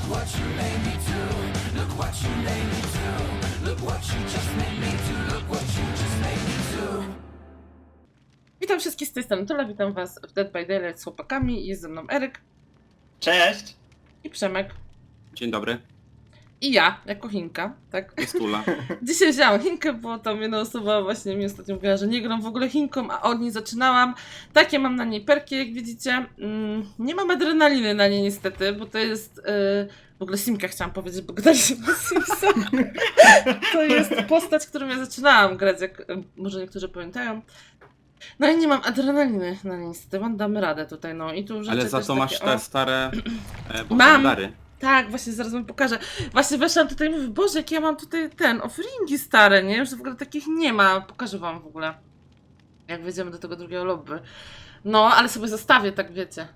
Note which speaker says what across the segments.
Speaker 1: Witam wszystkich z tej strony Tula, witam was w Dead by Daylight z chłopakami. Jest ze mną Eryk
Speaker 2: Cześć!
Speaker 1: i Przemek
Speaker 3: Dzień dobry,
Speaker 1: i ja, jako Chinka, tak?
Speaker 3: jest Tula.
Speaker 1: Dzisiaj wzięłam Chinkę, bo tam jedna osoba właśnie mi ostatnio mówiła, że nie gram w ogóle Chinką, a od niej zaczynałam. Takie mam na niej perki, jak widzicie. Nie mam adrenaliny na niej niestety, bo to jest... W ogóle Simka chciałam powiedzieć, bo gadaliśmy o Simsa. To jest postać, którą ja zaczynałam grać, jak może niektórzy pamiętają. No i nie mam adrenaliny na niej niestety, mam damy radę tutaj, no i tu rzeczy
Speaker 3: Ale za
Speaker 1: też
Speaker 3: to masz
Speaker 1: takie,
Speaker 3: te
Speaker 1: o.
Speaker 3: stare
Speaker 1: Mam.
Speaker 3: dary.
Speaker 1: Tak, właśnie zaraz wam pokażę. Właśnie weszłam tutaj i mówię, Boże, jak ja mam tutaj offeringi stare, nie? Już w ogóle takich nie ma. Pokażę wam w ogóle, jak wejdziemy do tego drugiego lobby. No, ale sobie zostawię, tak wiecie.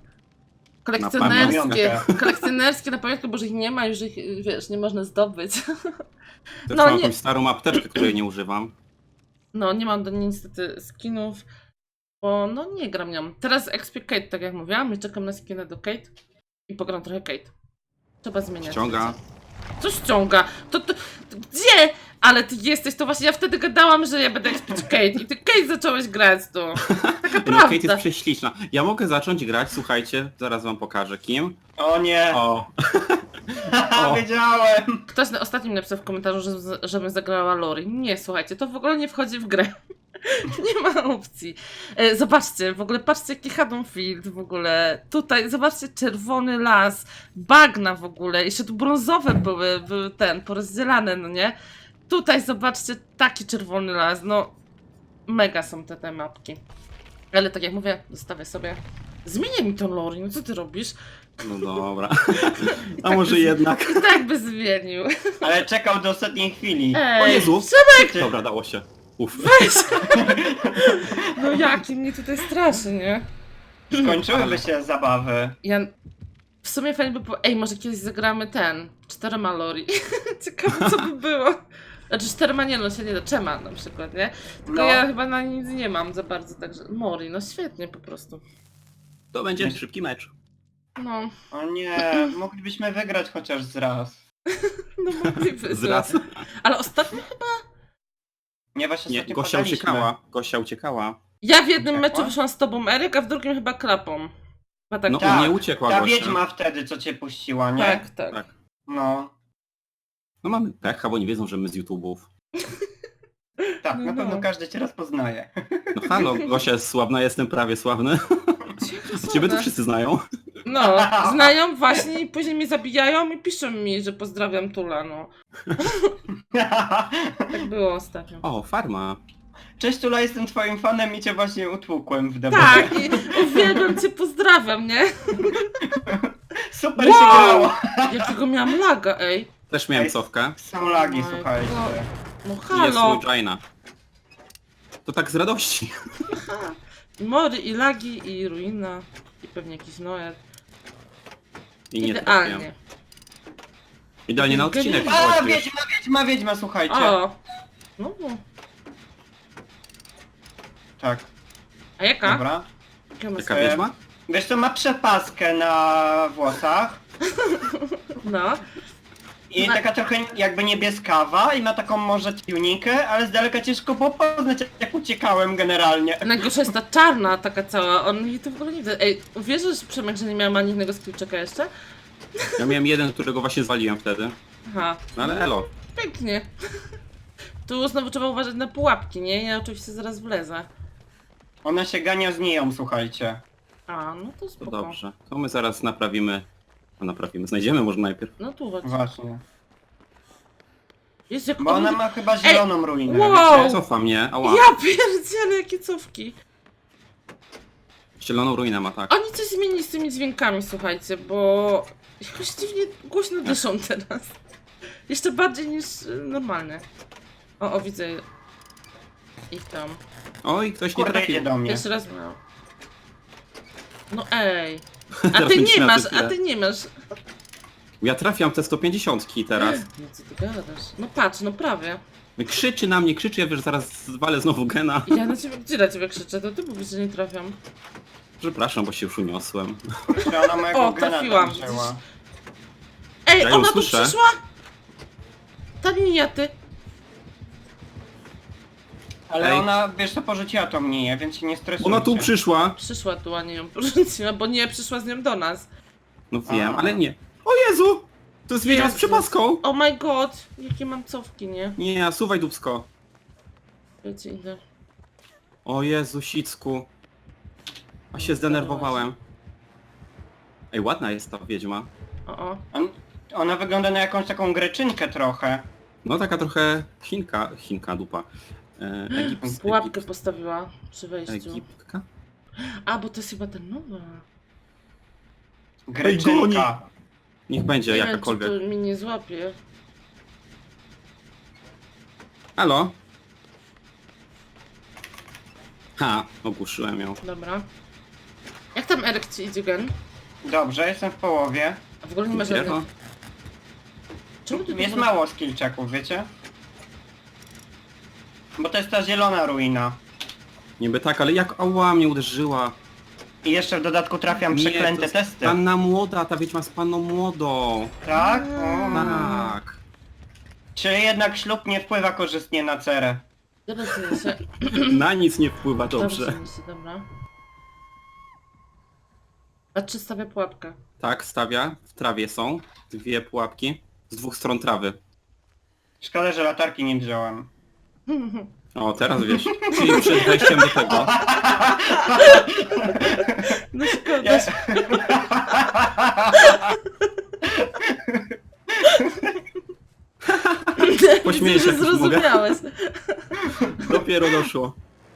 Speaker 1: Kolekcjonerskie na pamiątkę, bo że ich nie ma, już ich, wiesz, nie można zdobyć.
Speaker 3: Też
Speaker 1: No,
Speaker 3: mam
Speaker 1: nie-
Speaker 3: jakąś starą apteczkę, której nie używam.
Speaker 1: No, nie mam do niej niestety skinów, bo no nie gram nią. Teraz expię Kate, tak jak mówiłam, i czekam na skinę do Kate i pogram trochę Kate. Trzeba zmieniać.
Speaker 3: Ściąga.
Speaker 1: Co ściąga? To gdzie? Ale ty jesteś, to właśnie ja wtedy gadałam, że ja będę expić Kate i ty Kate zacząłeś grać tu. Taka
Speaker 3: No,
Speaker 1: prawda.
Speaker 3: Kate jest prześliczna. Ja mogę zacząć grać, słuchajcie, zaraz wam pokażę kim.
Speaker 2: O nie!
Speaker 3: O,
Speaker 2: Haha,
Speaker 3: O.
Speaker 2: wiedziałem!
Speaker 1: Ktoś na ostatnim napisał w komentarzu, żebym zagrała Lori. Nie, słuchajcie, to w ogóle nie wchodzi w grę. Nie ma opcji. Zobaczcie, w ogóle patrzcie jaki Haddonfield w ogóle. Tutaj, zobaczcie, czerwony las, bagna w ogóle. Jeszcze tu brązowe były porozdzielane, no nie? Tutaj zobaczcie, taki czerwony las, no mega są te mapki. Ale tak jak mówię, zostawię sobie. Zmienię mi to Lori, no co ty robisz?
Speaker 3: no dobra.
Speaker 1: I
Speaker 3: A
Speaker 1: tak
Speaker 3: może
Speaker 1: by-
Speaker 3: jednak.
Speaker 1: I tak by zmienił.
Speaker 2: Ale czekał do ostatniej chwili.
Speaker 1: Ej,
Speaker 3: O Jezu!
Speaker 2: Ty-
Speaker 3: Dobra, dało się. Uff.
Speaker 1: no jaki mnie tutaj straszy, nie?
Speaker 2: Skończyłyby się zabawy.
Speaker 1: Ja... W sumie fajnie by było... Ej, może kiedyś zagramy 4 Lori. Ciekawe co by było. Znaczy 4 nie, no się nie da. Czema na przykład, nie? Tylko
Speaker 2: No.
Speaker 1: ja chyba na nic nie mam za bardzo, także... Mori, no świetnie po prostu.
Speaker 3: To będzie szybki mecz.
Speaker 1: No,
Speaker 2: O nie, moglibyśmy wygrać chociaż z raz.
Speaker 1: no mogliby.
Speaker 3: Zraz.
Speaker 1: Ale ostatnio chyba...
Speaker 2: Nie, właśnie
Speaker 3: Nie,
Speaker 2: ostatnio
Speaker 3: Gosia
Speaker 2: padaliśmy.
Speaker 3: uciekała. Gosia uciekała.
Speaker 1: Ja w jednym
Speaker 2: Uciekła?
Speaker 1: meczu wyszłam z tobą, Eryk, a w drugim chyba klapą. Chyba tak.
Speaker 3: No
Speaker 2: Tak,
Speaker 3: nie uciekła
Speaker 2: Ta
Speaker 3: Gosia.
Speaker 2: wiedźma wtedy, co cię puściła, nie?
Speaker 1: Tak, tak.
Speaker 3: Tak.
Speaker 2: No.
Speaker 3: No mamy pecha, bo nie wiedzą, że my z YouTube'ów.
Speaker 2: Tak,
Speaker 1: No,
Speaker 2: na pewno
Speaker 1: no.
Speaker 2: każdy cię raz poznaje.
Speaker 3: No halo, Gosia jest sławna, jestem prawie sławny. Ciebie to wszyscy znają.
Speaker 1: No, znają właśnie i później mnie zabijają i piszą mi, że pozdrawiam Tula, no. Tak było ostatnio.
Speaker 3: O, farma.
Speaker 2: Cześć Tula, jestem twoim fanem i cię właśnie utłukłem w debacie.
Speaker 1: Tak, i uwielbiam cię, pozdrawiam, nie?
Speaker 2: Super
Speaker 1: Wow!
Speaker 2: się grało!
Speaker 1: Jakiego miałam laga, ej.
Speaker 3: Też miałem
Speaker 2: Ej,
Speaker 3: cofkę.
Speaker 2: Są lagi,
Speaker 1: Oh my
Speaker 2: słuchajcie.
Speaker 1: God. No
Speaker 3: I jest
Speaker 1: halo.
Speaker 3: mój Jaina. To tak z radości.
Speaker 1: Aha. I Mory, i lagi, i ruina, i pewnie jakiś Noet.
Speaker 3: I nie
Speaker 1: Idealnie.
Speaker 3: trafiam. Idealnie na odcinek
Speaker 2: A,
Speaker 3: wchodzisz.
Speaker 2: wiedźma, słuchajcie.
Speaker 1: O! No,
Speaker 2: Tak,
Speaker 1: a jaka?
Speaker 2: dobra.
Speaker 1: Jaka ma
Speaker 3: Jaka
Speaker 1: sens?
Speaker 3: wiedźma?
Speaker 2: Wiesz co, ma przepaskę na włosach
Speaker 1: No.
Speaker 2: i
Speaker 1: Ma-
Speaker 2: taka trochę jakby niebieskawa i ma taką może tunikę, ale z daleka ciężko było poznać, jak uciekałem generalnie.
Speaker 1: Najgorsza jest ta czarna taka cała, on jej to w ogóle nie widać. Ej, uwierzysz, Przemek, że nie miałam ani jednego skillczeka jeszcze?
Speaker 3: Ja miałem jeden, którego właśnie zwaliłem wtedy.
Speaker 1: Aha.
Speaker 3: No ale elo.
Speaker 1: Pięknie. Tu znowu trzeba uważać na pułapki, nie? Ja oczywiście zaraz wlezę.
Speaker 2: Ona się gania z niją, słuchajcie.
Speaker 1: A, no to
Speaker 3: To
Speaker 1: spoko.
Speaker 3: dobrze. To my zaraz naprawimy. No naprawimy. Znajdziemy może najpierw.
Speaker 1: No tu chodź.
Speaker 2: Właśnie.
Speaker 1: Jest jak
Speaker 2: Bo ona
Speaker 1: on-
Speaker 2: ma chyba zieloną ruinę,
Speaker 1: wow!
Speaker 2: wiecie?
Speaker 3: Cofa mnie. Ała.
Speaker 1: Ja pierdzielę, jakie cofki.
Speaker 3: Zieloną ruinę ma, tak.
Speaker 1: Oni coś zmienili z tymi dźwiękami, słuchajcie, bo jakoś dziwnie głośno dyszą teraz. Jeszcze bardziej niż normalne. O, widzę ich tam.
Speaker 3: Oj, ktoś nie
Speaker 2: Kurde, idzie
Speaker 3: trafił.
Speaker 2: do mnie.
Speaker 1: Jeszcze raz miał. No ej. A
Speaker 3: Teraz
Speaker 1: ty
Speaker 3: będziesz
Speaker 1: nie
Speaker 3: miał
Speaker 1: masz,
Speaker 3: za
Speaker 1: a
Speaker 3: chwilę.
Speaker 1: ty nie masz.
Speaker 3: Ja trafiam te 150 teraz.
Speaker 1: No co ty gadasz? No patrz, no prawie.
Speaker 3: Krzyczy na mnie, krzyczy, ja wiesz, zaraz zwalę znowu gena.
Speaker 1: Ja na ciebie, gdzie na ciebie krzyczę? To ty mówisz, że nie trafiam.
Speaker 3: Przepraszam, bo się już uniosłem.
Speaker 2: Kurczę, ona mojego
Speaker 1: O,
Speaker 2: gena
Speaker 1: trafiłam,
Speaker 2: tam wzięła.
Speaker 1: Ej,
Speaker 3: Ja ją
Speaker 1: ona tu
Speaker 3: słyszę.
Speaker 1: przyszła? Ta miniaty.
Speaker 2: Ale
Speaker 3: Ej.
Speaker 2: ona, wiesz co, porzuciła to mnie, więc się nie stresujcie.
Speaker 3: Ona tu przyszła.
Speaker 1: Przyszła tu, a nie ją porzuciła, bo nie przyszła z nią do nas.
Speaker 3: No wiem,
Speaker 2: A.
Speaker 3: ale nie. O Jezu! To jest wiedźma z
Speaker 1: Jezus.
Speaker 3: przepaską.
Speaker 1: Oh my god, jakie mam cofki, nie?
Speaker 3: Nie, suwaj dubsko.
Speaker 1: Wiecie, idę.
Speaker 3: O Jezu, sicku. A się zdenerwowałem. Ej, ładna jest ta wiedźma.
Speaker 1: O.
Speaker 2: Ona wygląda na jakąś taką greczynkę trochę.
Speaker 3: No taka trochę Chinka dupa.
Speaker 1: Pułapkę postawiła przy wejściu.
Speaker 3: Egiptka?
Speaker 1: A, bo to jest chyba ten nowa.
Speaker 2: Greczynka.
Speaker 3: Niech będzie
Speaker 1: Nie wiem,
Speaker 3: jakakolwiek.
Speaker 1: czy to mi nie złapie.
Speaker 3: Halo? Ha, ogłuszyłem ją.
Speaker 1: Dobra. Jak tam Eryk ci idzie, gen?
Speaker 2: Dobrze, jestem w połowie.
Speaker 1: A w ogóle nie ma
Speaker 3: Dopiero?
Speaker 1: żadnych... Czemu ty tu
Speaker 2: Jest
Speaker 1: w ogóle-
Speaker 2: mało skillczeków, wiecie? Bo to jest ta zielona ruina.
Speaker 3: Niby tak, ale jak ała mnie uderzyła.
Speaker 2: I jeszcze w dodatku trafiam
Speaker 3: Nie,
Speaker 2: przeklęte
Speaker 3: to jest
Speaker 2: testy.
Speaker 3: Panna młoda, ta wiedźma z panną młodą.
Speaker 2: Tak?
Speaker 3: Tak.
Speaker 2: Czyli jednak ślub nie wpływa korzystnie na cerę.
Speaker 1: Dobrze, się...
Speaker 3: Na nic nie wpływa dobrze.
Speaker 1: Dobrze, się, dobra. A czy stawia pułapkę?
Speaker 3: Tak, stawia. W trawie są dwie pułapki. Z dwóch stron trawy.
Speaker 2: Szkoda, że latarki nie wziąłem.
Speaker 3: O, teraz wiesz. Czyli przed wejściem do tego.
Speaker 1: No szkoda.
Speaker 2: Ja...
Speaker 3: Pośmieję się,
Speaker 1: Widzę, że
Speaker 3: jak już mogę.
Speaker 1: zrozumiałeś.
Speaker 3: Dopiero doszło.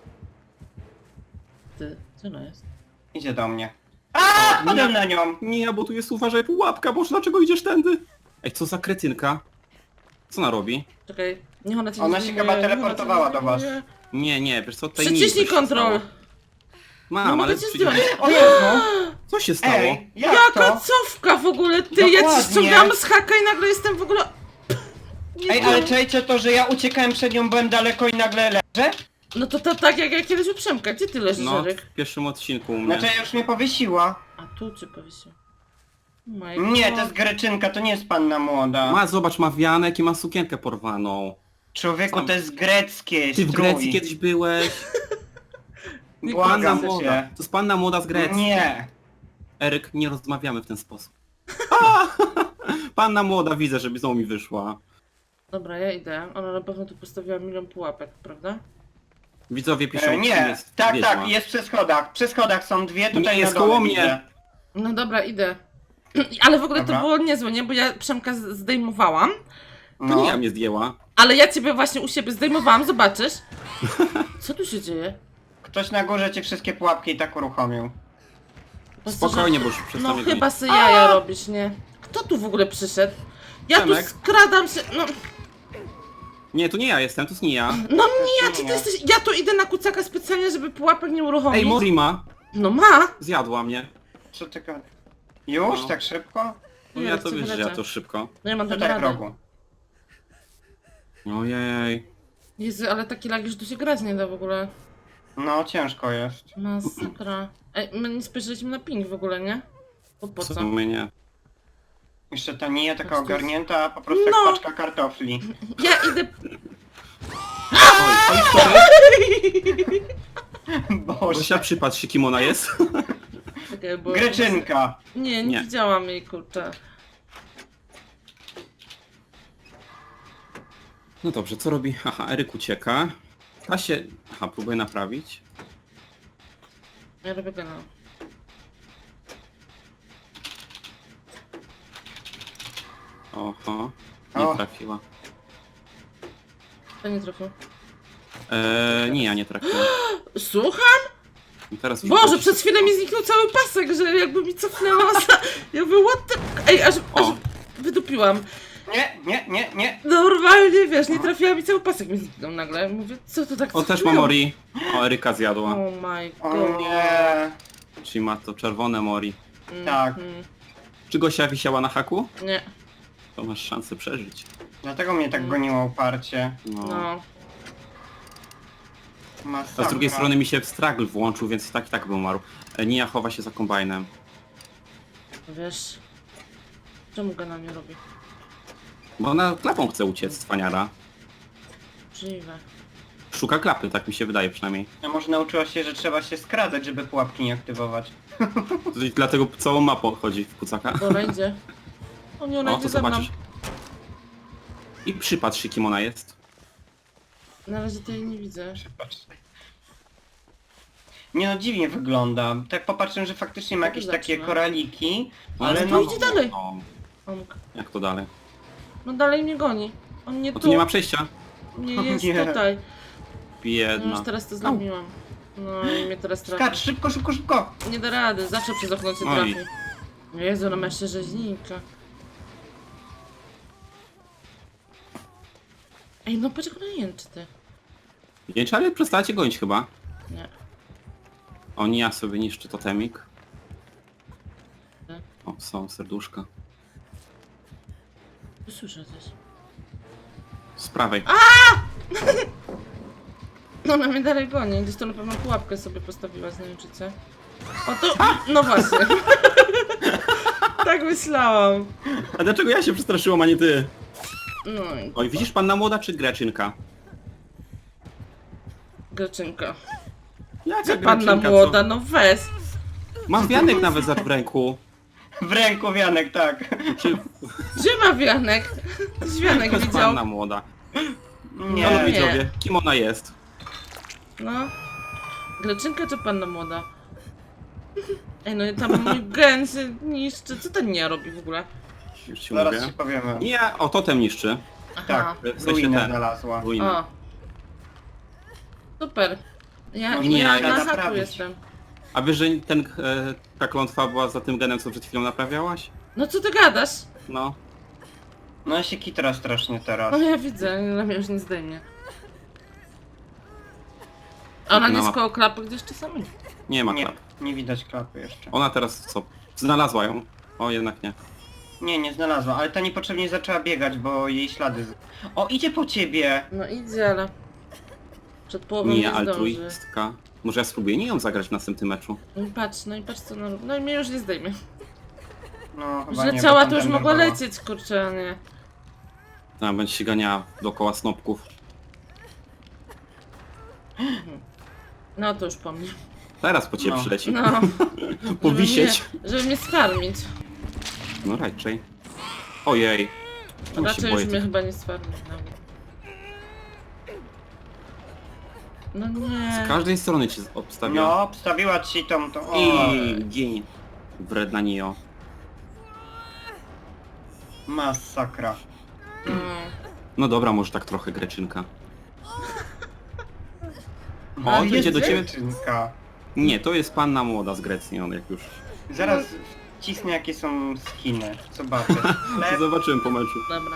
Speaker 1: Ty, co ona jest?
Speaker 2: Idzie do mnie. A, padłem na nią.
Speaker 3: Nie, bo tu jest, uważaj, pułapka, boż dlaczego idziesz tędy? Ej, co za kretynka? Co ona robi?
Speaker 1: Czekaj, niech ona cię
Speaker 2: Ona
Speaker 1: nie
Speaker 2: się
Speaker 1: zdejmuje,
Speaker 2: chyba
Speaker 1: niech ona cię
Speaker 2: teleportowała
Speaker 1: nie
Speaker 2: do was.
Speaker 1: zdejmuje.
Speaker 3: Nie, wiesz co, tutaj
Speaker 1: Przyciśnij
Speaker 3: nic się
Speaker 1: kontrol.
Speaker 3: stało. Mam,
Speaker 1: No
Speaker 3: ale
Speaker 1: mogę cię
Speaker 3: przecież...
Speaker 1: zdjąć.
Speaker 2: O Jezu!
Speaker 3: Co się stało?
Speaker 2: Ej, jak
Speaker 1: Jaka
Speaker 2: to?
Speaker 1: cofka w ogóle, ty! Ja ci
Speaker 2: Dokładnie.
Speaker 1: ściągam z haka i nagle jestem w ogóle... Nie
Speaker 2: Ej,
Speaker 1: wiem.
Speaker 2: ale czajcie to, że ja uciekałem przed nią, byłem daleko i nagle leżę?
Speaker 1: No to tak jak ja kiedyś u Przemka, gdzie ty leżysz,
Speaker 3: No,
Speaker 1: Eryk?
Speaker 3: w pierwszym odcinku u mnie.
Speaker 2: Znaczy już mnie powiesiła.
Speaker 1: A tu cię powiesił. Oh my
Speaker 2: Nie,
Speaker 1: God.
Speaker 2: to jest greczynka, to nie jest panna młoda.
Speaker 3: Ma, zobacz, ma wianek i ma sukienkę porwaną.
Speaker 2: Człowieku, to jest greckie.
Speaker 3: Ty w
Speaker 2: strój.
Speaker 3: Grecji kiedyś byłeś? Panna
Speaker 2: Błagam
Speaker 3: młoda.
Speaker 2: cię.
Speaker 3: To jest panna młoda z Grecji.
Speaker 2: Nie.
Speaker 3: Eryk, nie rozmawiamy w ten sposób. A! Panna młoda, widzę, żeby znowu mi wyszła.
Speaker 1: Dobra, ja idę. Ona na pewno tu postawiła milion pułapek, prawda?
Speaker 3: Widzowie piszą, kim
Speaker 2: Nie,
Speaker 3: jest
Speaker 2: tak,
Speaker 3: wiedźma.
Speaker 2: tak, jest przy schodach. Przy schodach są dwie, tutaj
Speaker 3: Nie, jest
Speaker 2: na dole
Speaker 3: koło mnie.
Speaker 2: widzę.
Speaker 1: No dobra, idę. Ale w ogóle
Speaker 2: Dobra.
Speaker 1: to było niezłe, nie? Bo ja Przemka zdejmowałam,
Speaker 3: To
Speaker 2: No.
Speaker 3: nie ja mnie zdjęła.
Speaker 1: ale ja ciebie właśnie u siebie zdejmowałam, zobaczysz. Co tu się dzieje?
Speaker 2: Ktoś na górze ci wszystkie pułapki i tak uruchomił.
Speaker 1: Po prostu,
Speaker 3: Spokojnie,
Speaker 1: że-
Speaker 3: bo już
Speaker 1: No
Speaker 3: przestanie
Speaker 1: chyba se jaja robisz, nie? Kto tu w ogóle przyszedł? Ja
Speaker 3: Przemek.
Speaker 1: tu skradam się, no...
Speaker 3: Nie, to nie ja jestem, to jest nie ja.
Speaker 1: No nie,
Speaker 2: nie
Speaker 1: czy ty
Speaker 2: ja.
Speaker 1: jesteś... Ja tu idę na kucaka specjalnie, żeby pułapek nie uruchomić.
Speaker 3: Ej, Morima!
Speaker 1: No ma!
Speaker 3: Zjadła mnie.
Speaker 2: Co ty gadasz? Już?
Speaker 3: No.
Speaker 2: Tak szybko?
Speaker 3: No
Speaker 1: Nie,
Speaker 3: ja
Speaker 1: chcę
Speaker 3: to wiesz, że ja
Speaker 1: wylecieć.
Speaker 3: to szybko.
Speaker 1: No ja mam tam
Speaker 2: Tutaj w
Speaker 1: radę.
Speaker 2: rogu.
Speaker 3: Ojej.
Speaker 1: Jezu, ale taki lag, że tu się grać nie da w ogóle.
Speaker 2: No, ciężko jest.
Speaker 1: Masakra. Ej, my nie spojrzeliśmy na ping w ogóle, nie? Bo po
Speaker 3: Co
Speaker 1: co?
Speaker 3: to mnie?
Speaker 2: Jeszcze ta nie taka
Speaker 1: Patrz, tu
Speaker 2: ogarnięta, po prostu
Speaker 1: No.
Speaker 2: jak paczka kartofli.
Speaker 1: Ja idę...
Speaker 3: Oj, sorry.
Speaker 2: Boże.
Speaker 3: Gosia, przypatrz się, kim ona jest.
Speaker 1: Czekaj, bo...
Speaker 2: Greczynka.
Speaker 1: Nie
Speaker 3: Nie.
Speaker 1: widziałam jej, kurczę.
Speaker 3: No dobrze, co robi? Aha, Eryk ucieka. Ta się... Aha, próbuje naprawić.
Speaker 1: Ja robię go, no.
Speaker 3: Oho, nie
Speaker 2: O.
Speaker 3: trafiła.
Speaker 1: To nie trafił.
Speaker 3: Nie, ja nie trafiłem.
Speaker 1: Słucham?
Speaker 3: I teraz
Speaker 1: Boże, przez chwilę mi zniknął cały pasek, że jakby mi cofnęła za... Ja mówię, what the... Ej, aż
Speaker 3: O.
Speaker 1: wydupiłam.
Speaker 2: Nie.
Speaker 1: Normalnie, wiesz, nie trafiła mi cały pasek, mi zniknął nagle. Mówię, co to tak
Speaker 3: O, też ma
Speaker 1: cofnęło?
Speaker 3: Mori. O, Eryka zjadła.
Speaker 1: Oh my
Speaker 2: O
Speaker 1: god.
Speaker 2: nie.
Speaker 3: Czyli ma to czerwone Mori.
Speaker 2: Tak.
Speaker 3: Czy Gosia wisiała na haku?
Speaker 1: Nie,
Speaker 3: To masz szansę przeżyć.
Speaker 2: Dlatego mnie tak goniło uparcie.
Speaker 3: No.
Speaker 1: no.
Speaker 2: Masakra.
Speaker 3: A z drugiej strony mi się stragl włączył, więc i tak by umarł. Nia chowa się za kombajnem.
Speaker 1: Wiesz... Czemu go na mnie robi?
Speaker 3: Bo ona klapą chce uciec, cwaniara.
Speaker 1: Możliwe.
Speaker 3: Szuka klapy, tak mi się wydaje przynajmniej.
Speaker 2: A może nauczyła się, że trzeba się skradać, żeby pułapki nie aktywować.
Speaker 3: Dlatego całą mapą chodzi w kucaka.
Speaker 1: Bo ona idzie. O nie, ona
Speaker 3: O,
Speaker 1: idzie
Speaker 3: to
Speaker 1: za mną.
Speaker 3: zobaczysz. I przypatrz się, kim ona jest.
Speaker 1: Na razie to jej nie widzę.
Speaker 2: Patrz. Nie no, dziwnie wygląda. Tak popatrzę, że faktycznie ma jakieś takie
Speaker 1: Zaczyna.
Speaker 2: koraliki,
Speaker 3: Ale
Speaker 2: ale
Speaker 1: to
Speaker 2: no...
Speaker 1: idzie dalej.
Speaker 3: No,
Speaker 1: Omk.
Speaker 3: jak to dalej?
Speaker 1: No dalej mnie goni. On nie
Speaker 3: No
Speaker 1: tu,
Speaker 3: tu nie ma przejścia.
Speaker 1: nie jest
Speaker 2: Nie.
Speaker 1: tutaj. No
Speaker 3: Biedna.
Speaker 1: już teraz to zlamiłam. No i mnie teraz trafi.
Speaker 2: Skacz, szybko, szybko, szybko!
Speaker 1: Nie da rady, zawsze przez okno cię
Speaker 3: Oj.
Speaker 1: trafi. Jezu, ona ma jeszcze rzeźnika. Ej, no patrz jak ona jęczy, ty.
Speaker 3: Nie trzeba przestacie gonić chyba.
Speaker 1: Nie.
Speaker 3: O, nie, ja sobie niszczy totemik.
Speaker 1: Tak.
Speaker 3: O, są serduszka.
Speaker 1: Słyszę coś.
Speaker 3: Z prawej.
Speaker 1: No ona mnie dalej goni, gdzieś to na pewno pułapkę sobie postawiła z najemczycy. O to... No właśnie. Tak myślałam.
Speaker 3: A dlaczego ja się przestraszyłam, a nie ty?
Speaker 1: No i
Speaker 3: Oj, widzisz panna młoda czy greczynka?
Speaker 1: Greczynka.
Speaker 3: Jaka
Speaker 1: Panna
Speaker 3: greczynka,
Speaker 1: młoda, no weź.
Speaker 3: co? Mam wianek nawet za w ręku.
Speaker 2: W ręku wianek, tak.
Speaker 3: Czy
Speaker 1: Gdzie ma wianek? Wianek
Speaker 3: to jest
Speaker 1: widział.
Speaker 3: panna młoda?
Speaker 2: Nie.
Speaker 3: Halo
Speaker 1: nie.
Speaker 3: widzowie, kim ona jest?
Speaker 1: No. Greczynka czy panna młoda? Ej, no i tam mój gen się niszczy. Co ten nie robi w ogóle?
Speaker 3: Już ci
Speaker 2: Zaraz
Speaker 3: mówię.
Speaker 2: ci powiemy.
Speaker 3: Nie, o totem niszczy.
Speaker 1: Aha.
Speaker 2: Tak,
Speaker 3: W sensie
Speaker 2: ruinę
Speaker 3: ten.
Speaker 2: znalazła.
Speaker 3: Ruinę.
Speaker 1: O. Super. Ja,
Speaker 2: Można
Speaker 1: ja
Speaker 3: ją
Speaker 1: na haku
Speaker 2: naprawić.
Speaker 1: jestem.
Speaker 3: A wiesz, że ta klątwa była za tym genem, co przed chwilą naprawiałaś?
Speaker 1: No co ty gadasz?
Speaker 3: No.
Speaker 2: No ja się kitra strasznie teraz.
Speaker 1: No ja widzę, na mnie już nie zdejmie. A ona nie
Speaker 3: No.
Speaker 1: jest koło klapy gdzieś czasami?
Speaker 3: Nie ma
Speaker 2: Nie,
Speaker 3: klap.
Speaker 2: nie widać klapy jeszcze.
Speaker 3: Ona teraz co? Znalazła ją. O, jednak nie.
Speaker 2: Nie, nie znalazła, ale ta niepotrzebnie zaczęła biegać, bo jej ślady... O, idzie po ciebie!
Speaker 1: No idzie, ale... Przed połową nie
Speaker 3: Nie,
Speaker 1: zdąży.
Speaker 3: altruistka. Może ja spróbuję nie ją zagrać w następnym meczu.
Speaker 1: No i patrz co ona robi. No i mnie już nie zdejmie.
Speaker 2: No, chyba
Speaker 1: Już
Speaker 2: nie,
Speaker 1: leciała,
Speaker 2: bo
Speaker 1: to już
Speaker 2: tamten
Speaker 1: mogła
Speaker 2: dorwała.
Speaker 1: lecieć, kurczę, a nie.
Speaker 3: Tam będzie się ganiała dookoła snopków.
Speaker 1: No to już po mnie.
Speaker 3: Teraz po ciebie
Speaker 2: No.
Speaker 3: przyleci.
Speaker 1: No.
Speaker 3: Powisieć.
Speaker 1: Żeby mnie sfarmić.
Speaker 3: No raczej. Ojej. Czemu się
Speaker 1: Raczej
Speaker 3: boję
Speaker 1: już mnie
Speaker 3: tych...
Speaker 1: chyba nie sfarmić nawet. No nie.
Speaker 3: Z każdej strony cię obstawia.
Speaker 2: No, wstawiła ci tą... O,
Speaker 3: I gień. Wredna Nio.
Speaker 2: masakra.
Speaker 1: No.
Speaker 3: No dobra, może tak trochę greczynka.
Speaker 2: No,
Speaker 3: O, to idzie do ciebie.
Speaker 2: dziewczynka.
Speaker 3: Nie, to jest panna młoda z Grecji, on jak już.
Speaker 2: Zaraz wcisnę jakie są skiny. Zobaczę. Chleb.
Speaker 3: Zobaczyłem po meczu.
Speaker 1: Dobra.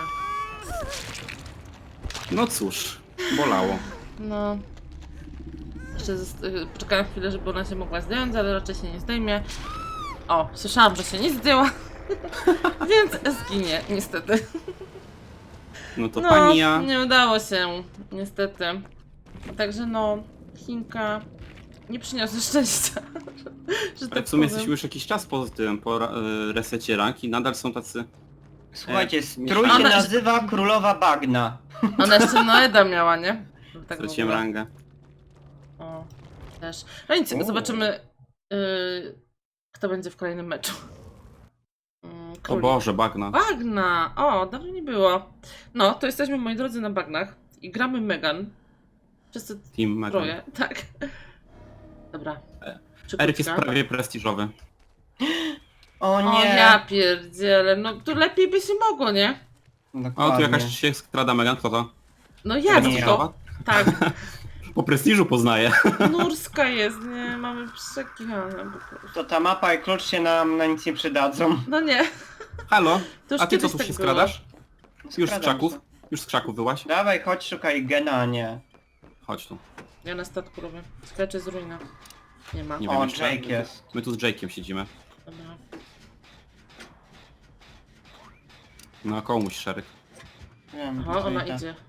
Speaker 3: No cóż, bolało.
Speaker 1: No. Jeszcze poczekałam chwilę, żeby ona się mogła zdjąć, ale raczej się nie zdejmie. O, słyszałam, że się nie zdjęła. Więc zginie, niestety.
Speaker 3: No to
Speaker 1: No,
Speaker 3: pani ja.
Speaker 1: nie udało się, niestety. Także no, Chinka nie przyniosła szczęścia. Że
Speaker 3: Ale
Speaker 1: tak
Speaker 3: w sumie
Speaker 1: powiem.
Speaker 3: jesteśmy już jakiś czas po tym, po resecie rank i nadal są tacy...
Speaker 2: Słuchajcie,
Speaker 3: Nie.
Speaker 2: strój się
Speaker 1: Ona-
Speaker 2: nazywa Królowa Bagna.
Speaker 1: Ona jeszcze Noeda miała, nie? Tak w
Speaker 3: Straciłem
Speaker 1: ogóle.
Speaker 3: rangę.
Speaker 1: O, też. No nic,
Speaker 2: O.
Speaker 1: zobaczymy, kto będzie w kolejnym meczu.
Speaker 3: O
Speaker 1: Królik.
Speaker 3: Boże, bagna.
Speaker 1: Bagna! O, dawno nie było. No, to jesteśmy, moi drodzy, na bagnach i gramy Megan. Wszyscy
Speaker 3: Team Megan.
Speaker 1: troje, tak. Dobra.
Speaker 3: Eryk jest
Speaker 1: Szybciutka.
Speaker 2: tak?
Speaker 3: prawie prestiżowy.
Speaker 2: O
Speaker 1: O,
Speaker 2: nie!
Speaker 1: ja pierdzielę, no tu lepiej by się mogło, nie?
Speaker 3: O, tu
Speaker 2: Dokładnie.
Speaker 3: jakaś się skrada Megan, kto to?
Speaker 1: No jak
Speaker 2: Nie.
Speaker 1: to? Tak,
Speaker 3: Po prestiżu poznaję.
Speaker 1: Nurska jest, nie? Mamy przekichane po prostu.
Speaker 2: To ta mapa i klucz się nam na nic nie przydadzą.
Speaker 1: No nie,
Speaker 3: Halo?
Speaker 1: to już
Speaker 3: A ty co
Speaker 1: kiedyś
Speaker 3: tu
Speaker 1: tak
Speaker 3: się
Speaker 1: było.
Speaker 3: skradasz? Już z
Speaker 2: Skradam
Speaker 3: krzaków?
Speaker 2: się.
Speaker 3: Już z krzaków wyłaś?
Speaker 2: Dawaj, chodź, szukaj gena, a nie.
Speaker 3: Chodź tu.
Speaker 1: Ja na statku robię. Skacze z ruina. Nie ma.
Speaker 3: Nie
Speaker 2: O,
Speaker 3: wiem jeszcze.
Speaker 2: Jake jest.
Speaker 3: My tu z Jake'iem siedzimy.
Speaker 1: Dobra.
Speaker 3: No, komuś szereg.
Speaker 2: Wiem,
Speaker 1: Aha,
Speaker 2: gdzie
Speaker 1: ona
Speaker 2: idę.
Speaker 1: idzie.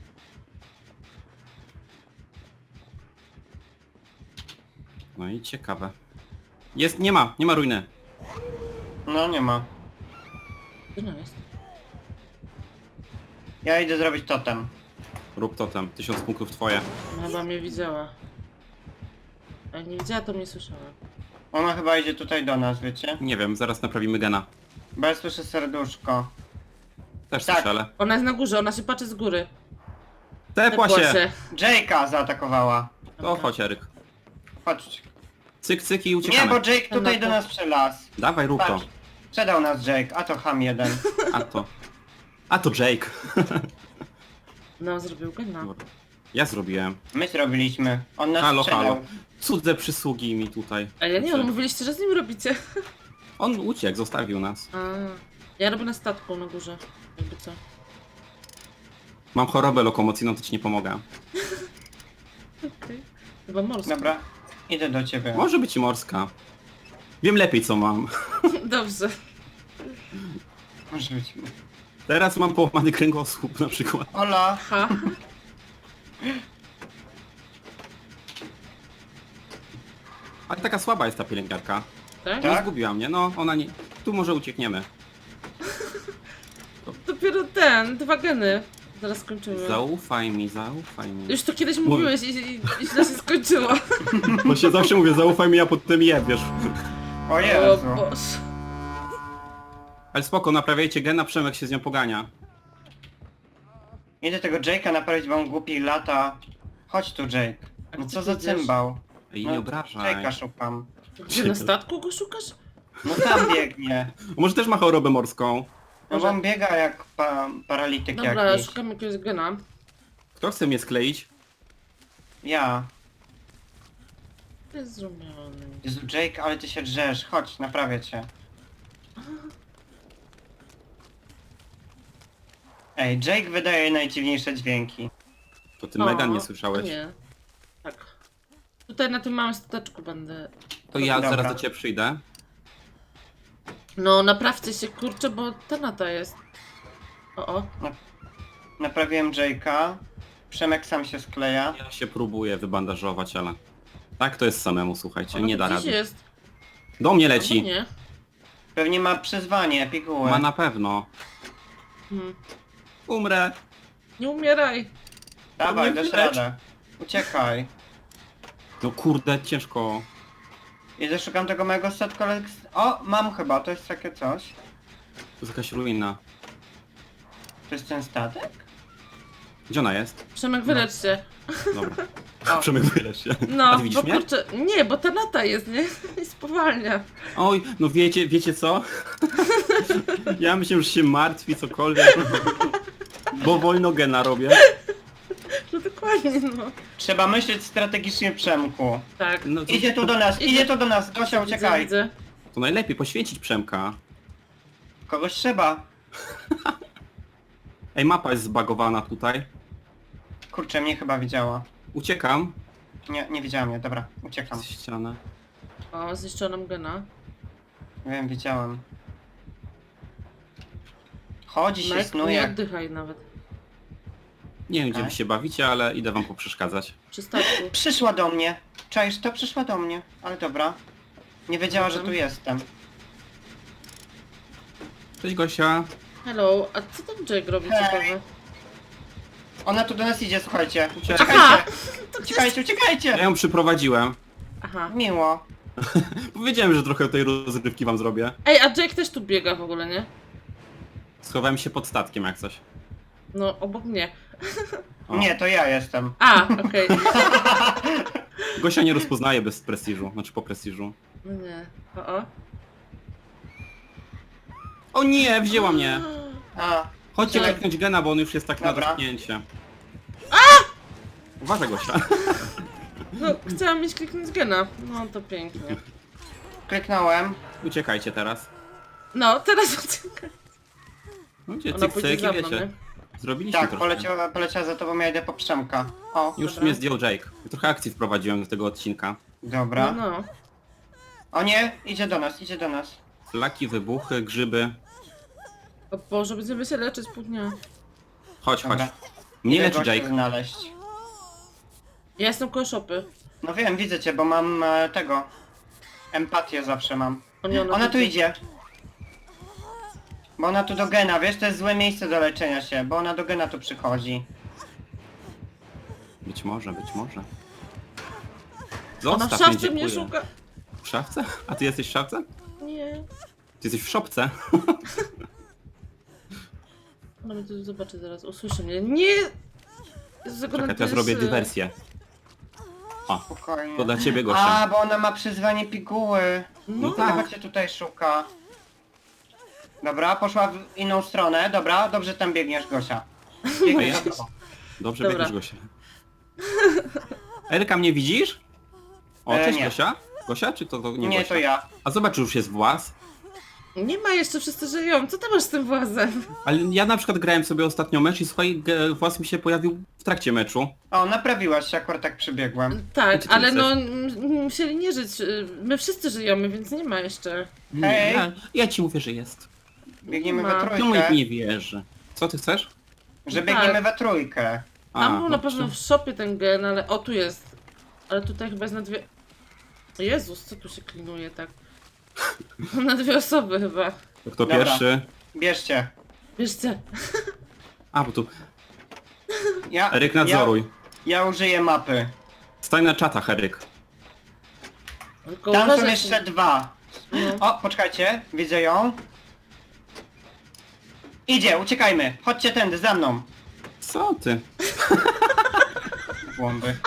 Speaker 3: No i ciekawe. Jest, nie ma ruiny.
Speaker 2: No, nie ma.
Speaker 1: Gdzie ona jest?
Speaker 2: Ja idę zrobić totem.
Speaker 3: Rób totem, 1000 punktów twoje.
Speaker 1: Ona chyba mnie widziała. A jak nie widziała, to mnie słyszała.
Speaker 2: Ona chyba idzie tutaj do nas, wiecie?
Speaker 3: Nie wiem, zaraz naprawimy gena.
Speaker 2: Bo ja słyszę serduszko.
Speaker 3: Też
Speaker 2: Tak.
Speaker 3: strzelę.
Speaker 1: Ona jest na górze, ona się patrzy z góry.
Speaker 3: Tepła się!
Speaker 2: Jake'a zaatakowała.
Speaker 3: To chodź, Eryk.
Speaker 2: Chodź.
Speaker 3: Cyk, cyk i
Speaker 2: Nie,
Speaker 3: uciekamy.
Speaker 2: bo Jake tutaj do nas przelazł.
Speaker 3: Dawaj, rób to.
Speaker 2: Patrz. Przedał nas Jake, a to ham jeden.
Speaker 3: A to Jake.
Speaker 1: No, zrobił gena.
Speaker 3: Ja zrobiłem.
Speaker 2: My zrobiliśmy. On nas
Speaker 3: Halo,
Speaker 2: sprzedał.
Speaker 3: halo. Cudze przysługi mi tutaj.
Speaker 1: A ja nie, ale mówiliście, że z nim robicie.
Speaker 3: On uciekł, zostawił nas.
Speaker 1: A, ja robię na statku na górze. Jakby co.
Speaker 3: Mam chorobę lokomocyjną, to ci nie pomogę.
Speaker 1: Okej. Chyba morskie.
Speaker 2: Dobra, idę do ciebie.
Speaker 3: Może być i morska. Wiem lepiej co mam.
Speaker 1: Dobrze.
Speaker 2: Może być.
Speaker 3: Teraz mam połamany kręgosłup na przykład.
Speaker 2: Ola,
Speaker 1: Ha.
Speaker 3: Ale taka słaba jest ta pielęgniarka.
Speaker 1: Tak?
Speaker 2: Tak?
Speaker 3: Nie zgubiła mnie, no ona nie... Tu może uciekniemy.
Speaker 1: Dopiero ten, 2 geny. Zaraz skończymy.
Speaker 3: Zaufaj mi, zaufaj mi.
Speaker 1: Już to kiedyś mówiłeś i źle się skończyło.
Speaker 3: Bo się zawsze mówię, zaufaj mi, a potem jebiesz.
Speaker 2: o
Speaker 1: O
Speaker 2: Jezu.
Speaker 1: Boże.
Speaker 3: Ale spoko, naprawiajcie gena, Przemek się z nią pogania.
Speaker 2: Idę tego Jake'a naprawić, bo on głupi lata. Chodź tu Jake.
Speaker 1: A
Speaker 2: No
Speaker 1: gdzie
Speaker 2: co
Speaker 1: ty
Speaker 2: za
Speaker 1: idziesz?
Speaker 2: cymbał.
Speaker 3: I nie obrażaj.
Speaker 2: Jake'a szukam.
Speaker 1: Gdzie, na statku go szukasz?
Speaker 2: No tam biegnie.
Speaker 3: Może też ma chorobę morską.
Speaker 2: No bo on biega jak paralityk
Speaker 1: Dobra,
Speaker 2: jakiś.
Speaker 1: szukam jakiegoś gena.
Speaker 3: Kto chce mnie skleić?
Speaker 2: Ja.
Speaker 1: To jest zrobiony.
Speaker 2: Jezu Jake, ale ty się drzesz. Chodź, naprawię cię. Ej, Jake wydaje najdziwniejsze dźwięki.
Speaker 3: To ty Megan nie słyszałeś.
Speaker 1: Nie. Tak. Tutaj na tym małym stateczku będę.
Speaker 3: To ja
Speaker 2: Dobra.
Speaker 3: zaraz do ciebie przyjdę.
Speaker 1: No naprawcie się kurczę, bo ta nata jest. O.
Speaker 2: Naprawiłem Jake'a. Przemek sam się skleja.
Speaker 3: Ja się próbuję wybandażować, ale... Tak to jest samemu, słuchajcie,
Speaker 1: Ona
Speaker 3: nie
Speaker 1: tu
Speaker 3: da
Speaker 1: gdzieś
Speaker 3: rady.
Speaker 1: jest.
Speaker 3: Do mnie
Speaker 1: Albo
Speaker 3: leci.
Speaker 1: nie.
Speaker 2: Pewnie ma przyzwanie, pigułę.
Speaker 3: Ma na pewno.
Speaker 1: Hmm.
Speaker 3: Umrę.
Speaker 1: Nie umieraj.
Speaker 2: Dawaj,
Speaker 3: Nie
Speaker 2: dasz
Speaker 3: widać.
Speaker 2: radę. Uciekaj.
Speaker 3: No kurde, ciężko.
Speaker 2: Idę, szukam tego mojego statku, ale... O, mam chyba, to jest takie coś.
Speaker 3: To jest jakaś ruina.
Speaker 2: To jest ten statek?
Speaker 3: Gdzie ona jest?
Speaker 1: Przemek, wylecz się.
Speaker 3: Dobra.
Speaker 2: O.
Speaker 3: Przemek, wylecz się. A
Speaker 1: No,
Speaker 3: ty widzisz
Speaker 1: bo
Speaker 3: mnie?
Speaker 1: kurczę. Nie, bo ta nata jest, nie? I spowalnia.
Speaker 3: Oj, no wiecie co? Ja myślę, że się martwi cokolwiek. Bo wolno gena robię.
Speaker 1: No dokładnie, no.
Speaker 2: Trzeba myśleć strategicznie, Przemku.
Speaker 1: Tak.
Speaker 3: No to,
Speaker 2: Idzie tu do nas, idzie tu do nas. Gosia, uciekaj.
Speaker 1: Widzę.
Speaker 3: to najlepiej poświęcić Przemka.
Speaker 2: Kogoś trzeba.
Speaker 3: Ej, mapa jest zbagowana tutaj.
Speaker 2: Kurczę, mnie chyba widziała.
Speaker 3: Uciekam.
Speaker 2: Nie, nie widziała mnie, dobra, uciekam.
Speaker 3: Z ściany.
Speaker 1: O, zniszczoną gena.
Speaker 2: Wiem, widziałem. Chodzi się,
Speaker 1: Mike, nie
Speaker 2: snuje.
Speaker 1: oddychaj nawet.
Speaker 3: Nie wiem, gdzie
Speaker 2: Tak.
Speaker 3: wy się bawicie, ale idę wam poprzeszkadzać.
Speaker 1: Przy statku.
Speaker 2: Przyszła do mnie. Czaisz to? Przyszła do mnie. Ale dobra. Nie wiedziała, że tu jestem.
Speaker 3: Cześć Gosia.
Speaker 1: Hello, a co tam Jake robi
Speaker 2: Hej.
Speaker 1: ciekawe?
Speaker 2: Ona tu do nas idzie, słuchajcie.
Speaker 3: Uciekaj.
Speaker 1: Aha!
Speaker 2: Uciekajcie! Uciekajcie,
Speaker 3: Ja
Speaker 2: uciekajcie!
Speaker 3: ją przyprowadziłem.
Speaker 1: Aha.
Speaker 2: Miło.
Speaker 3: Powiedziałem, że trochę tej rozrywki wam zrobię.
Speaker 1: Ej, a Jake też tu biega w ogóle, nie?
Speaker 3: Schowałem się pod statkiem jak coś.
Speaker 1: No, obok mnie.
Speaker 3: O.
Speaker 2: Nie, to ja jestem.
Speaker 1: A, okej.
Speaker 3: Gosia nie rozpoznaje bez prestiżu, znaczy po prestiżu.
Speaker 1: No nie. O.
Speaker 3: O nie, wzięła mnie.
Speaker 2: A,
Speaker 3: Chodźcie
Speaker 1: Tak.
Speaker 3: kliknąć gena, bo on już jest tak na
Speaker 2: Dobra.
Speaker 3: dotknięcie. Uważaj Gosia.
Speaker 1: No, chciałam mieć kliknąć gena. No, to pięknie.
Speaker 2: kliknąłem.
Speaker 3: Uciekajcie teraz.
Speaker 1: No, teraz uciekaj.
Speaker 3: No gdzie
Speaker 1: Ona
Speaker 3: cyk
Speaker 1: pójdzie
Speaker 3: cyk
Speaker 1: za
Speaker 3: i
Speaker 1: mną,
Speaker 3: wiecie.
Speaker 1: nie?
Speaker 3: Zrobiliśmy
Speaker 2: Tak,
Speaker 3: troszkę.
Speaker 2: poleciała za tobą, ja idę po Przemka. O,
Speaker 3: Już
Speaker 1: Dobra.
Speaker 3: mnie zdjął Jake. Trochę akcji wprowadziłem do tego odcinka.
Speaker 2: dobra.
Speaker 1: No.
Speaker 2: O nie, idzie do nas, idzie do nas.
Speaker 3: Flaki, wybuchy, grzyby.
Speaker 1: O Boże, będziemy się leczyć pół dnia.
Speaker 3: Chodź, chodź.
Speaker 2: Dobra.
Speaker 3: Mnie
Speaker 2: Idę
Speaker 3: leczy
Speaker 2: gościa
Speaker 3: Jake.
Speaker 2: znaleźć.
Speaker 1: Ja jestem koło szopy.
Speaker 2: No wiem, widzę cię, bo mam tego. Empatię zawsze mam.
Speaker 1: O nie,
Speaker 2: Ona tu
Speaker 1: widzi.
Speaker 2: idzie. Bo ona tu do gena, wiesz, to jest złe miejsce do leczenia się, bo ona do gena tu przychodzi.
Speaker 3: Być może, być może.
Speaker 1: Ona w
Speaker 3: Zostaw
Speaker 1: szafce mnie
Speaker 3: dziękuję.
Speaker 1: szuka.
Speaker 3: W szafce? A ty jesteś w szafce?
Speaker 1: Nie.
Speaker 3: Ty jesteś w szopce?
Speaker 1: Ona mnie tu zobaczy zaraz, usłyszy mnie. Nie!
Speaker 3: Czekaj, teraz robię dywersję. O,
Speaker 2: Spokojnie.
Speaker 3: to dla ciebie, Gosia.
Speaker 2: A, bo ona ma przyzwanie piguły.
Speaker 1: No
Speaker 3: tak.
Speaker 2: Dlatego cię tutaj szuka. Dobra, poszła w inną stronę. Dobra, dobrze tam biegniesz, Gosia. Biegniesz
Speaker 3: Ja-
Speaker 2: za tobą.
Speaker 3: Dobrze
Speaker 1: Dobra.
Speaker 3: biegniesz, Gosia. Erka, mnie widzisz? O, cześć,
Speaker 2: nie.
Speaker 3: Gosia? Gosia, czy to nie
Speaker 2: Nie,
Speaker 3: Gosia?
Speaker 2: to ja.
Speaker 3: A zobacz, już jest włas.
Speaker 1: Nie ma jeszcze, wszyscy żyją. Co ty masz z tym włazem?
Speaker 3: Ale ja na przykład grałem sobie ostatnio mecz i słuchaj, włas mi się pojawił w trakcie meczu.
Speaker 2: O, naprawiłaś się, akurat tak przybiegłem.
Speaker 1: Tak,
Speaker 3: Co ty
Speaker 1: ale
Speaker 3: chcesz?
Speaker 1: no musieli nie żyć. My wszyscy żyjemy, więc nie ma jeszcze.
Speaker 2: Hej.
Speaker 3: Ja ci mówię, że jest.
Speaker 2: Biegniemy
Speaker 1: Ma.
Speaker 2: we
Speaker 3: Czemu
Speaker 2: trójkę.
Speaker 3: nikt nie wierzy? Co ty chcesz?
Speaker 2: Że
Speaker 1: Tak.
Speaker 2: biegniemy we trójkę.
Speaker 1: Tam był na
Speaker 3: no
Speaker 1: pewno
Speaker 3: to-
Speaker 1: w shopie ten gen, ale o tu jest. Ale tutaj chyba jest na dwie... Jezus, co tu się klinuje tak? Na dwie osoby chyba.
Speaker 3: To kto
Speaker 2: Dobra.
Speaker 3: pierwszy?
Speaker 2: Bierzcie.
Speaker 1: Bierzcie.
Speaker 3: A, bo tu...
Speaker 2: Ja,
Speaker 3: Eryk, nadzoruj.
Speaker 2: ja użyję mapy.
Speaker 3: Stań na czatach, Eryk.
Speaker 1: Tylko
Speaker 2: Tam są
Speaker 1: uważaj,
Speaker 2: jeszcze dwa.
Speaker 1: no.
Speaker 2: O, poczekajcie, widzę ją. Idzie, uciekajmy. Chodźcie tędy, za mną.
Speaker 3: Co ty?
Speaker 2: Łąby.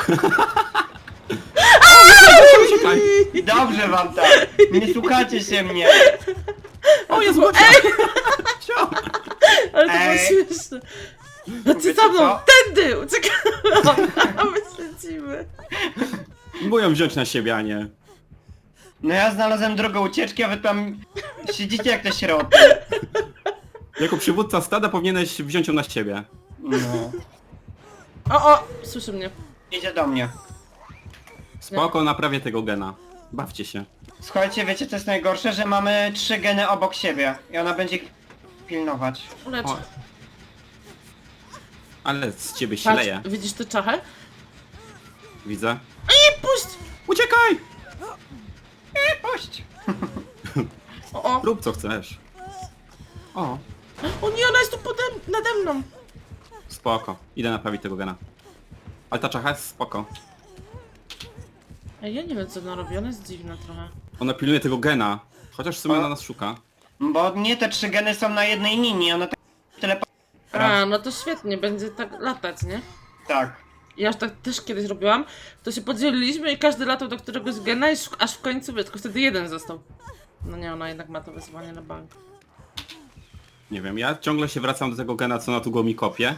Speaker 3: Uciekaj.
Speaker 2: Dobrze wam tak. Nie słuchacie się mnie.
Speaker 3: O, jest Gosia! Cio.
Speaker 1: Ale to było
Speaker 2: Ej.
Speaker 1: śmieszne. No ty
Speaker 2: Wiecie
Speaker 1: za mną,
Speaker 2: co?
Speaker 1: tędy! Uciekamy! A my śledzimy.
Speaker 3: Mówią wziąć na siebie, a nie.
Speaker 2: No ja znalazłem drogę ucieczki, a wy tam siedzicie jak te środki.
Speaker 3: Jako przywódca stada powinieneś wziąć ją na siebie.
Speaker 2: No.
Speaker 1: O, słyszy mnie.
Speaker 2: Idzie do mnie.
Speaker 3: Spoko, naprawię tego gena. Bawcie się.
Speaker 2: Słuchajcie, wiecie co jest najgorsze? Że mamy 3 geny obok siebie. I ona będzie ich pilnować.
Speaker 1: Lecz.
Speaker 3: O. Ale z ciebie się
Speaker 1: Patrz,
Speaker 3: leje.
Speaker 1: widzisz tę czachę?
Speaker 3: Widzę.
Speaker 1: I puść!
Speaker 3: Uciekaj!
Speaker 2: Puść!
Speaker 1: O,
Speaker 3: Rób co chcesz. O,
Speaker 1: o nie, ona jest tu nade mną.
Speaker 3: spoko. Idę naprawić tego gena. Ale ta czacha jest spoko.
Speaker 1: Ej, ja nie wiem co ona robi, ona jest dziwna trochę.
Speaker 3: Ona pilnuje tego gena. Chociaż w sumie
Speaker 2: O.
Speaker 3: ona nas szuka.
Speaker 2: Bo nie, te 3 geny są na jednej linii, ona tak tyle...
Speaker 1: A, no to świetnie, będzie tak latać, nie?
Speaker 2: Tak.
Speaker 1: Ja już tak też kiedyś robiłam, to się podzieliliśmy i każdy latał do któregoś gena i aż w końcu, tylko wtedy jeden został. No nie, ona jednak ma to wyzwanie na bank.
Speaker 3: Nie wiem, ja ciągle się wracam do tego gena, co na tu go mi kopie.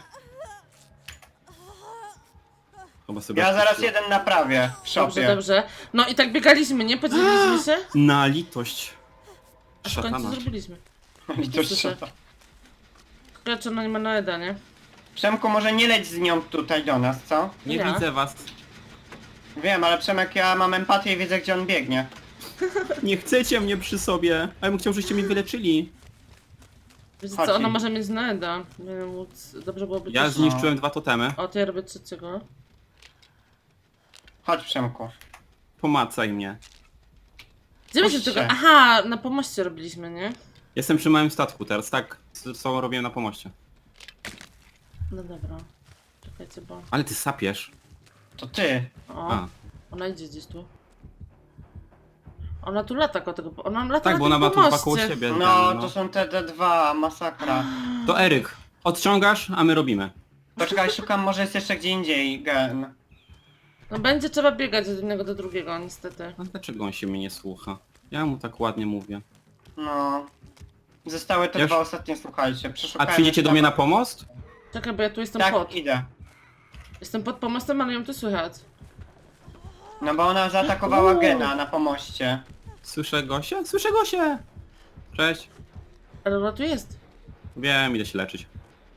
Speaker 3: Chyba sobie
Speaker 2: Ja zaraz
Speaker 3: odpuściłem.
Speaker 2: jeden naprawię w
Speaker 1: Dobrze,
Speaker 2: szopie.
Speaker 1: dobrze. No i tak biegaliśmy, nie? Podzieliliśmy się,
Speaker 3: Na litość.
Speaker 1: a w końcu
Speaker 3: Szatana.
Speaker 1: zrobiliśmy.
Speaker 2: I to
Speaker 1: Słyszę.
Speaker 2: szota.
Speaker 1: Kurczę, ona nie ma na Eda, nie?
Speaker 2: Przemku, może nie leć z nią tutaj do nas, co?
Speaker 3: Nie
Speaker 1: Ja.
Speaker 3: widzę was.
Speaker 2: Wiem, ale Przemek, ja mam empatię i widzę, gdzie on biegnie.
Speaker 3: Nie chcecie mnie przy sobie. A ja bym chciał, żebyście mnie wyleczyli.
Speaker 1: Wiecie
Speaker 2: Chodź.
Speaker 1: co, ona może mieć na Eda. Nie wiem, móc... Dobrze byłoby
Speaker 3: Ja
Speaker 1: też...
Speaker 3: zniszczyłem 2 totemy.
Speaker 1: O, to ja robię trzeciego.
Speaker 2: Chodź, Przemku.
Speaker 3: Pomacaj mnie.
Speaker 1: Gdzie my się
Speaker 2: Puśćcie.
Speaker 1: tego... Aha, na pomoście robiliśmy, nie?
Speaker 3: Jestem przy małym statku teraz, tak? Co robię na pomoście.
Speaker 1: No dobra. Czekajcie, bo...
Speaker 3: Ale ty sapiesz.
Speaker 2: To ty.
Speaker 1: O,
Speaker 3: A.
Speaker 1: ona idzie gdzieś tu. Ona tu lata koło tego... Ona lata
Speaker 3: Tak,
Speaker 1: na
Speaker 3: bo
Speaker 1: tym
Speaker 3: ona ma tu 2 koło
Speaker 1: pomoście.
Speaker 3: siebie.
Speaker 2: No,
Speaker 3: ten,
Speaker 2: to są te D2, masakra.
Speaker 3: To Eryk, odciągasz, a my robimy.
Speaker 2: Poczekaj, szukam, może jest jeszcze gdzie indziej gen.
Speaker 1: No będzie trzeba biegać od jednego do drugiego, niestety.
Speaker 3: A dlaczego on się mnie nie słucha? Ja mu tak ładnie mówię.
Speaker 2: No. Zostały te
Speaker 3: Już?
Speaker 2: 2 ostatnie, słuchajcie.
Speaker 3: A
Speaker 2: Przeszukałem
Speaker 3: przyjdziecie do
Speaker 2: jeszcze
Speaker 3: mnie na
Speaker 2: tam-
Speaker 3: pomost?
Speaker 1: Czekaj, bo ja tu jestem
Speaker 2: Tak,
Speaker 1: pod.
Speaker 2: idę.
Speaker 1: Jestem pod pomostem, ale ją tu słychać.
Speaker 2: No bo ona zaatakowała
Speaker 1: Uuu.
Speaker 2: gena na pomoście.
Speaker 3: Słyszę Gosię? Słyszę Gosię! Cześć.
Speaker 1: Ale ona tu jest.
Speaker 3: Wiem, idę się leczyć.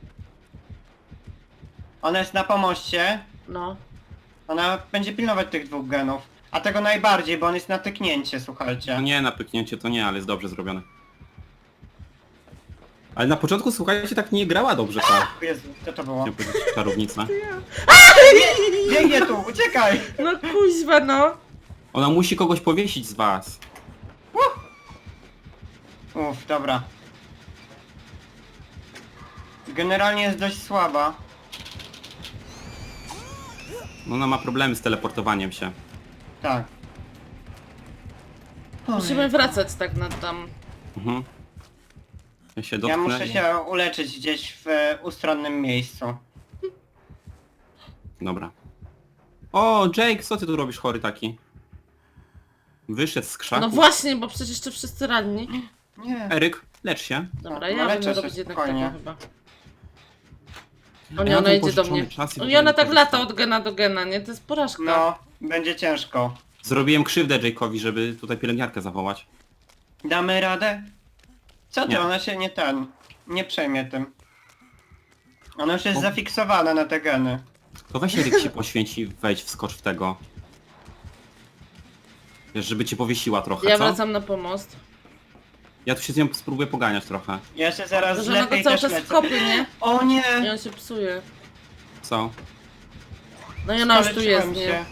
Speaker 2: Ona jest na pomoście.
Speaker 1: No.
Speaker 2: Ona będzie pilnować tych 2 genów. A tego najbardziej, bo on jest na tyknięcie, słuchajcie.
Speaker 3: No nie, na pyknięcie to nie, ale jest dobrze zrobione. Ale na początku, słuchajcie, tak nie grała dobrze ta,
Speaker 2: Jezu, co to było?
Speaker 3: chciałem powiedzieć, czarownica.
Speaker 2: Biegnie tu, uciekaj!
Speaker 1: No kuźwa, no.
Speaker 3: Ona musi kogoś powiesić z was.
Speaker 2: Uff, dobra. Generalnie jest dość słaba.
Speaker 3: No ona ma problemy z teleportowaniem się.
Speaker 2: Tak.
Speaker 1: Musimy wracać tak na tam.
Speaker 3: Mhm. Ja się
Speaker 2: Ja
Speaker 3: dotknę
Speaker 2: muszę
Speaker 3: i-
Speaker 2: się uleczyć gdzieś w ustronnym miejscu.
Speaker 3: Dobra. O, Jake, co ty tu robisz chory taki? Wyszedł z krzaku.
Speaker 1: No właśnie, bo przecież jeszcze wszyscy ranni.
Speaker 2: Nie.
Speaker 3: Eryk, lecz się.
Speaker 1: Dobra,
Speaker 2: No,
Speaker 1: ja
Speaker 2: leczę
Speaker 1: będę
Speaker 2: się
Speaker 1: robić jednak
Speaker 2: spokojnie.
Speaker 1: tego chyba. O
Speaker 3: Ja
Speaker 1: nie,
Speaker 3: mam
Speaker 1: ona
Speaker 3: ten
Speaker 1: idzie do
Speaker 3: pożyczony
Speaker 1: mnie.
Speaker 3: czas i
Speaker 1: O
Speaker 3: w
Speaker 1: nie,
Speaker 3: ogóle
Speaker 1: ona
Speaker 3: nie
Speaker 1: tak
Speaker 3: korzystam.
Speaker 1: lata od gena do gena, nie? To jest porażka.
Speaker 2: No, będzie ciężko.
Speaker 3: Zrobiłem krzywdę Jake'owi, żeby tutaj pielęgniarkę zawołać.
Speaker 2: Damy radę? Co ty,
Speaker 3: Nie.
Speaker 2: ona się nie przejmie tym. Ona już jest
Speaker 3: O.
Speaker 2: zafiksowana na te geny.
Speaker 3: To weź Eryk się poświęci, wejdź, wskocz w tego. Wiesz, żeby cię powiesiła trochę,
Speaker 1: Ja
Speaker 3: co?
Speaker 1: wracam na pomost.
Speaker 3: Ja tu się z nią spróbuję poganiać trochę.
Speaker 2: Ja się zaraz
Speaker 1: To, że ona
Speaker 2: zlepię
Speaker 1: go
Speaker 2: i
Speaker 1: cały
Speaker 2: też
Speaker 1: czas
Speaker 2: lecę.
Speaker 1: kopie, nie?
Speaker 2: O
Speaker 1: I
Speaker 2: nie!
Speaker 1: on się psuje.
Speaker 3: Co?
Speaker 1: No i ona już tu
Speaker 2: Skaleczyłem
Speaker 1: jest,
Speaker 2: się.
Speaker 1: nie?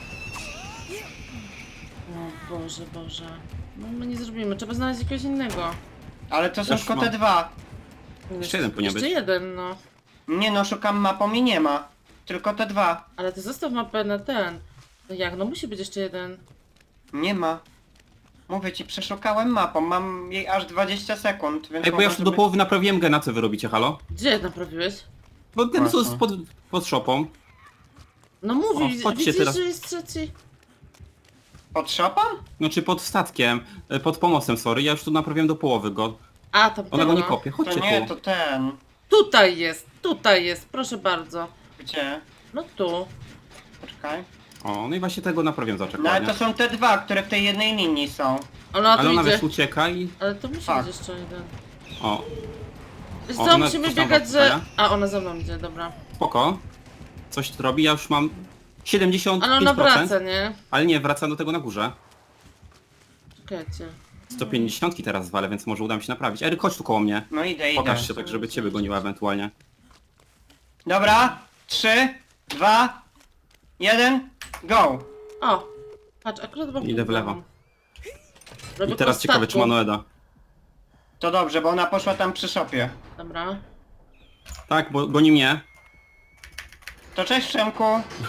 Speaker 1: O Boże, Boże. No my nie zrobimy, trzeba znaleźć jakiegoś innego.
Speaker 2: Ale to są
Speaker 3: Już
Speaker 2: tylko
Speaker 3: mam.
Speaker 2: te dwa.
Speaker 3: Jeszcze jeden powinien
Speaker 1: Jeszcze
Speaker 3: być.
Speaker 1: jeden, no.
Speaker 2: Nie no, szukam mapą i nie ma. Tylko te dwa.
Speaker 1: Ale ty zostaw mapę na ten. No jak, no musi być jeszcze jeden.
Speaker 2: Nie ma. Mówię ci, przeszukałem mapą, mam jej aż 20 sekund, więc
Speaker 3: Ej, bo ja już
Speaker 2: mogę
Speaker 3: do
Speaker 2: sobie-
Speaker 3: połowy naprawiłem gena, co wy robicie, halo?
Speaker 1: Gdzie naprawiłeś?
Speaker 3: Bo ten co
Speaker 2: Właśnie.
Speaker 3: jest pod shopą.
Speaker 1: No mówi,
Speaker 3: O, chodźcie
Speaker 1: widzisz,
Speaker 3: teraz.
Speaker 1: że jest trzeci.
Speaker 2: Pod shopą?
Speaker 3: Znaczy pod statkiem, pod pomostem, sorry. Ja już tu naprawiłem do połowy go.
Speaker 1: A, tam
Speaker 3: Ona go nie
Speaker 1: no.
Speaker 3: kopie,
Speaker 2: To
Speaker 3: chodźcie
Speaker 2: nie,
Speaker 3: tu.
Speaker 2: to ten.
Speaker 1: Tutaj jest, proszę bardzo.
Speaker 2: Gdzie?
Speaker 1: No tu.
Speaker 2: Poczekaj.
Speaker 3: O, no i właśnie tego naprawiłem
Speaker 2: No ale
Speaker 3: zaczekanie.
Speaker 2: to są te dwa, które w tej jednej linii są.
Speaker 1: Ona
Speaker 3: Ale
Speaker 1: tu
Speaker 3: ona
Speaker 1: idzie.
Speaker 3: wiesz ucieka i...
Speaker 1: Ale to musi
Speaker 2: Tak.
Speaker 1: być jeszcze jeden.
Speaker 3: O,
Speaker 1: Wiesz
Speaker 3: O,
Speaker 1: co,
Speaker 3: ona
Speaker 1: musimy
Speaker 3: coś tam
Speaker 1: biegać, że...
Speaker 3: wstaje?
Speaker 1: A, ona za mną idzie, dobra.
Speaker 3: spoko. Coś tu robi, ja już mam 75%.
Speaker 1: Ale ona wraca, nie?
Speaker 3: Ale nie, wraca do tego na górze.
Speaker 1: Czekajcie.
Speaker 3: 150 teraz zwalę, więc może uda mi się naprawić. Eryk, chodź tu koło mnie.
Speaker 2: No idę, idę.
Speaker 3: Pokaż się tak, żeby ciebie goniła ewentualnie.
Speaker 2: Dobra, 3, 2, 1, go!
Speaker 1: O! Patrz, akurat wam
Speaker 3: Idę w lewo.
Speaker 1: Robię
Speaker 3: I teraz
Speaker 1: po
Speaker 3: ciekawe, czy ma
Speaker 1: statku.
Speaker 3: Noeda.
Speaker 2: To dobrze, bo ona poszła tam przy szopie.
Speaker 1: Dobra.
Speaker 3: Tak, bo goni mnie.
Speaker 2: To cześć Przemku.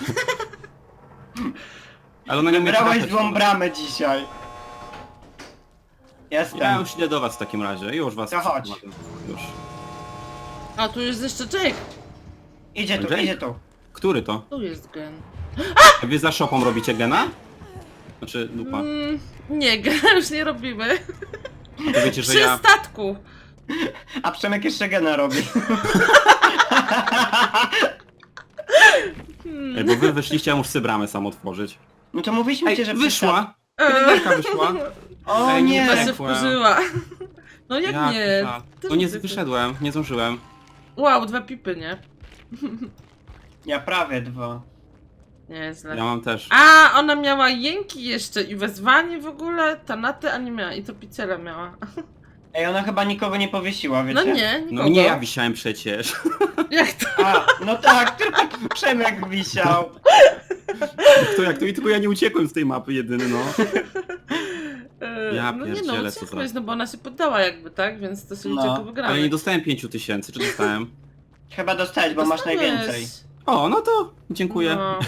Speaker 3: Ale ona nie umie
Speaker 2: Wybrałeś
Speaker 3: trafiać.
Speaker 2: złą bramę dzisiaj. Jestem.
Speaker 3: Ja już idę do was w takim razie. Już was...
Speaker 2: To chodź.
Speaker 3: Już.
Speaker 1: A, tu jest jeszcze Jake.
Speaker 2: Idzie tu,
Speaker 3: Jake?
Speaker 2: idzie tu.
Speaker 3: Który to?
Speaker 1: Tu jest gen.
Speaker 3: Wy za shopą robicie gena? Znaczy, dupa.
Speaker 1: Nie, gen już nie robimy.
Speaker 3: To wiecie, że
Speaker 1: Przy
Speaker 3: ja...
Speaker 1: statku.
Speaker 2: A Przemek jeszcze gena robi.
Speaker 3: Ej, bo wy wyszliście, a muszę bramę sam otworzyć.
Speaker 2: No to mówiliśmy ci,
Speaker 3: Ej,
Speaker 2: że
Speaker 3: wyszła! Pielęgniarka wyszła.
Speaker 2: O
Speaker 3: Ej,
Speaker 2: nie!
Speaker 1: Chyba się
Speaker 3: Zdechłem.
Speaker 1: wkurzyła. No jak
Speaker 3: Ja,
Speaker 1: nie?
Speaker 3: kurwa.
Speaker 1: Też
Speaker 3: No nie
Speaker 1: widzę.
Speaker 3: wyszedłem, nie zdążyłem.
Speaker 1: Wow, 2 pipy, nie?
Speaker 2: Ja prawie 2.
Speaker 1: Nieźle.
Speaker 3: Ja mam też.
Speaker 1: A, ona miała jęki jeszcze i wezwanie w ogóle, tanaty, a nie miała. I to piciela miała.
Speaker 2: Ej, ona chyba nikogo nie powiesiła, wiecie?
Speaker 1: No nie, nikogo.
Speaker 3: No nie, ja wisiałem przecież.
Speaker 1: Jak to?
Speaker 2: A, no tak, tylko Przemek wisiał.
Speaker 3: Kto jak to? I tylko ja nie uciekłem z tej mapy jedyny, no. Ja
Speaker 1: no nie no,
Speaker 3: pierdzielę, co
Speaker 1: uciekłeś,
Speaker 3: za-
Speaker 1: no bo ona się poddała jakby, tak? Więc to się liczy
Speaker 2: No.
Speaker 1: jako wygrane.
Speaker 3: Ale nie dostałem 5000, czy dostałem?
Speaker 2: Chyba dostałeś, bo masz
Speaker 1: Dostałeś.
Speaker 2: najwięcej.
Speaker 3: O, no to dziękuję.
Speaker 1: No.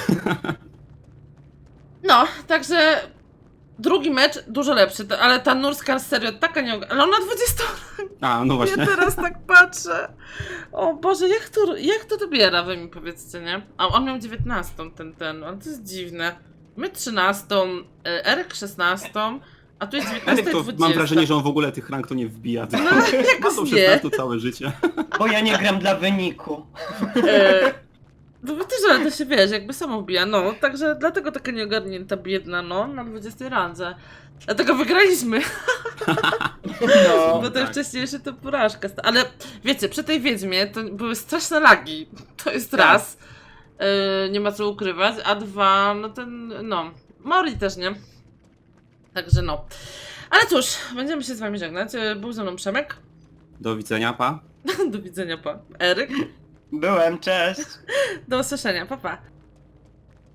Speaker 1: No, także drugi mecz dużo lepszy, ale ta Nurska serio taka nie... Ale ona 20...
Speaker 3: A, no
Speaker 1: Ja
Speaker 3: właśnie.
Speaker 1: teraz tak patrzę. O Boże, jak to dobiera, wy mi powiedzcie, nie? A on miał 19, ten, ale to jest dziwne. My 13, Eryk 16, a tu jest 19
Speaker 3: Eryk
Speaker 1: i
Speaker 3: to
Speaker 1: 20.
Speaker 3: mam wrażenie, że on w ogóle tych rank to nie wbija. Tylko
Speaker 1: No,
Speaker 3: ma
Speaker 1: jakoś
Speaker 3: to
Speaker 1: nie.
Speaker 3: 16 całe życie.
Speaker 2: Bo ja nie gram dla wyniku.
Speaker 1: No bo też, ale to się wiesz, jakby samo wbija, no. Także dlatego taka nieogarnięta biedna, no, na 20 randze. Dlatego wygraliśmy,
Speaker 2: No.
Speaker 1: bo ten
Speaker 3: tak.
Speaker 1: wcześniejszy to porażka. Ale wiecie, przy tej Wiedźmie to były straszne lagi. To jest
Speaker 2: Tak.
Speaker 1: raz. Nie ma co ukrywać, a dwa, no ten, no. Mori też, nie? Także no. Ale cóż, będziemy się z wami żegnać. Był ze mną Przemek.
Speaker 3: Do widzenia, pa.
Speaker 1: Do widzenia, pa. Eryk.
Speaker 2: Byłem, cześć.
Speaker 1: Do usłyszenia, pa pa.